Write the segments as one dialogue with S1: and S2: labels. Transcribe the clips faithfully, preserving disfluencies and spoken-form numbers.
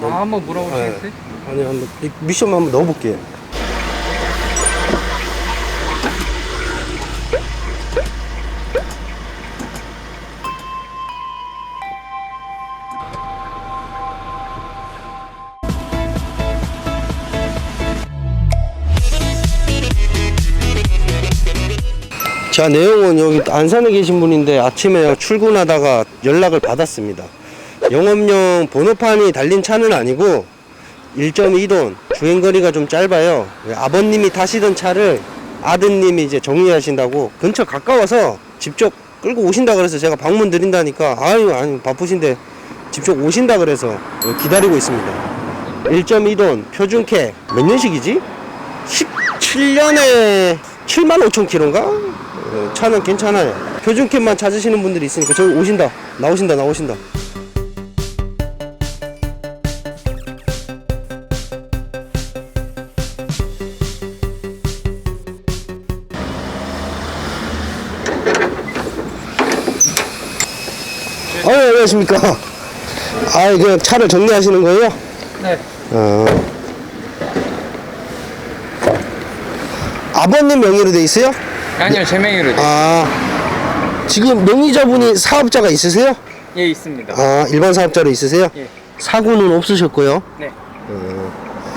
S1: 아, 한번 물어보시겠어요?
S2: 네. 아니, 한번 이 미션만 한번 넣어볼게요. 자, 내용은 여기 안산에 계신 분인데 아침에 출근하다가 연락을 받았습니다. 영업용 번호판이 달린 차는 아니고 일 점 이 돈, 주행거리가 좀 짧아요. 아버님이 타시던 차를 아드님이 이제 정리하신다고 근처 가까워서 직접 끌고 오신다 그래서 제가 방문 드린다니까 아유, 아니 바쁘신데 직접 오신다 그래서 기다리고 있습니다. 일 점 이 돈 표준캐 몇 년식이지? 십칠 년에 칠만 오천 킬로인가? 차는 괜찮아요. 표준캡만 찾으시는 분들이 있으니까 저기 오신다 나오신다 나오신다. 어, 안녕하십니까. 아, 그냥 차를 정리하시는 거예요?
S1: 네.
S2: 어. 아버님 명의로 돼 있어요?
S1: 아니요, 제 명의로. 네.
S2: 아, 지금 명의자분이 사업자가 있으세요?
S1: 예, 있습니다.
S2: 아, 일반 사업자로 있으세요?
S1: 예.
S2: 사고는 없으셨고요.
S1: 네.
S2: 어.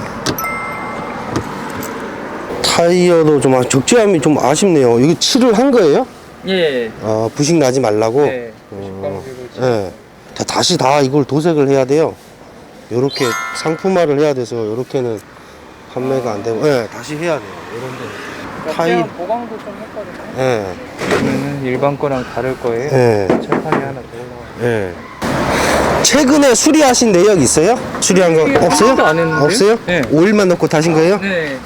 S2: 타이어도 좀 아- 적재함이 좀 아쉽네요. 이거 칠을 한 거예요?
S1: 예.
S2: 아, 부식 나지 말라고?
S1: 네.
S2: 어. 예. 다, 다시 다 이걸 도색을 해야 돼요. 요렇게 상품화를 해야 돼서 요렇게는 판매가 안 되고, 예, 다시 해야 돼요. 요런데. 타이,
S1: 타이 보강도 좀 했거든요.
S2: 예,
S1: 그러면은 일반 거랑 다를 거예요.
S2: 예,
S1: 철판이 하나 더 올라와요.
S2: 예. 최근에 수리하신 내역 있어요? 수리한 거
S1: 수리
S2: 없어요?
S1: 하나도 안 했는데요?
S2: 없어요?
S1: 네.
S2: 오일만 넣고 타신 거예요?
S1: 네.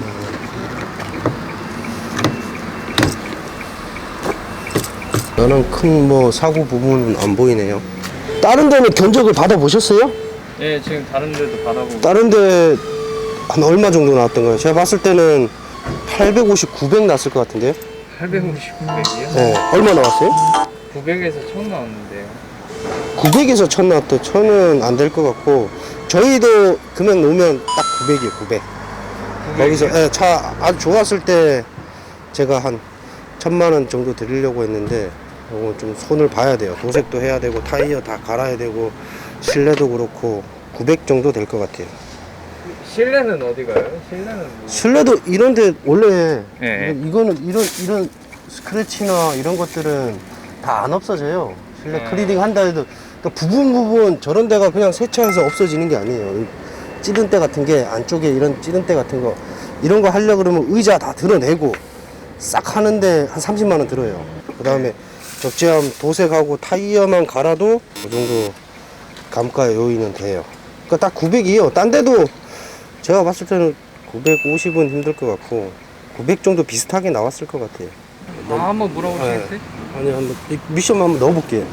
S2: 너는 큰 뭐 사고 부분은 안 보이네요. 다른 데는 견적을 받아 보셨어요?
S1: 예, 지금 다른 데도 받아보고.
S2: 다른 데 한 얼마 정도 나왔던 거예요? 제가 봤을 때는 팔백오십, 구백 났을 것 같은데요?
S1: 팔백오십, 구백이요?
S2: 네. 얼마 나왔어요?
S1: 구백에서 천 나왔는데요.
S2: 구백에서 천 나왔대. 천은 안 될 것 같고 저희도 금액 놓으면 딱 구백이에요. 구백. 거기서 예, 차 아주 좋았을 때 제가 한 천만 원 정도 드리려고 했는데 이건 좀 손을 봐야 돼요. 도색도 해야 되고 타이어 다 갈아야 되고 실내도 그렇고 구백 정도 될 것 같아요.
S1: 실내는 어디 가요? 실내는 뭐...
S2: 실내도 이런데 원래
S1: 네.
S2: 이거는 이런 이런 스크래치나 이런 것들은 다 안 없어져요. 실내
S1: 네.
S2: 클리닝 한다 해도 그러니까 부분 부분 저런 데가 그냥 세차해서 없어지는 게 아니에요. 찌든 때 같은 게 안쪽에 이런 찌든 때 같은 거 이런 거 하려 그러면 의자 다 드러내고 싹 하는데 한 삼십만 원 들어요. 그 다음에 적재함 도색하고 타이어만 갈아도 그 정도 감가 요인은 돼요. 그러니까 딱 구백이에요. 딴 데도 제가 봤을 때는 구백오십은 힘들 것 같고 구백 정도 비슷하게 나왔을 것 같아요.
S1: 아, 한번 물어보시겠어요?
S2: 네. 아니, 한번 이 미션만 한번 넣어볼게요.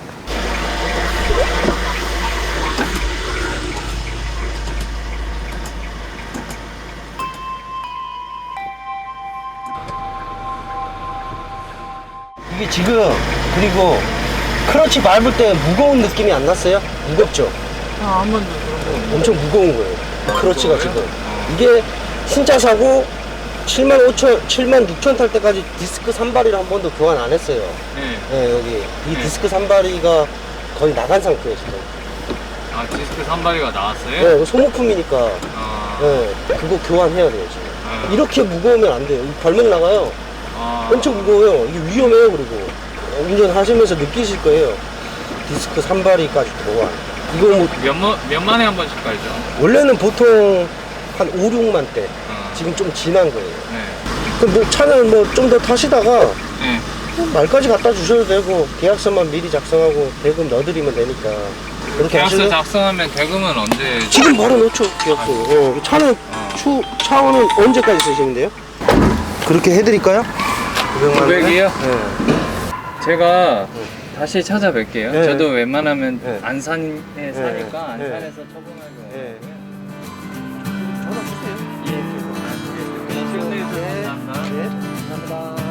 S2: 이게 지금 그리고 클러치 밟을 때 무거운 느낌이 안 났어요? 무겁죠?
S1: 아, 한 번도 그런 거.
S2: 엄청 무거운 거예요. 클러치가 지금. 이게 신차 사고 칠만 오천, 칠만 육천 탈 때까지 디스크 산발이를 한 번도 교환 안 했어요.
S1: 네.
S2: 네, 여기. 이
S1: 네.
S2: 디스크 산발이가 거의 나간 상태예요, 지금.
S1: 아, 디스크 산발이가 나왔어요?
S2: 네, 이거 소모품이니까.
S1: 아.
S2: 네, 그거 교환해야 돼요, 지금.
S1: 아.
S2: 이렇게 무거우면 안 돼요. 발목 나가요.
S1: 아.
S2: 엄청 무거워요. 이게 위험해요, 그리고. 운전하시면서 느끼실 거예요. 디스크 산발이까지 교환. 이거 뭐,
S1: 몇, 만, 몇 만에 한 번씩 깔죠?
S2: 원래는 보통 한 오, 육만 대.
S1: 어.
S2: 지금 좀 지난 거예요.
S1: 네.
S2: 그 뭐 차는 뭐 좀 더 타시다가
S1: 네.
S2: 말까지 갖다 주셔도 되고 계약서만 미리 작성하고 대금 넣어드리면 되니까 그렇게
S1: 계약서
S2: 하시면
S1: 작성하면 대금은 언제?
S2: 지금 바로 넣죠 계약서. 어, 차는
S1: 어.
S2: 추 차원은 언제까지 쓰시면 돼요? 그렇게 해드릴까요?
S1: 구백이요?
S2: 네.
S1: 제가 다시 찾아뵐게요.
S2: 네.
S1: 저도 웬만하면
S2: 네.
S1: 안산에 사니까
S2: 네.
S1: 안산에서 처분하기
S2: 네.
S1: 어려워요.
S2: 전화 주세요.
S1: 예. 네. 감사합니다.
S2: 네, 감사합니다.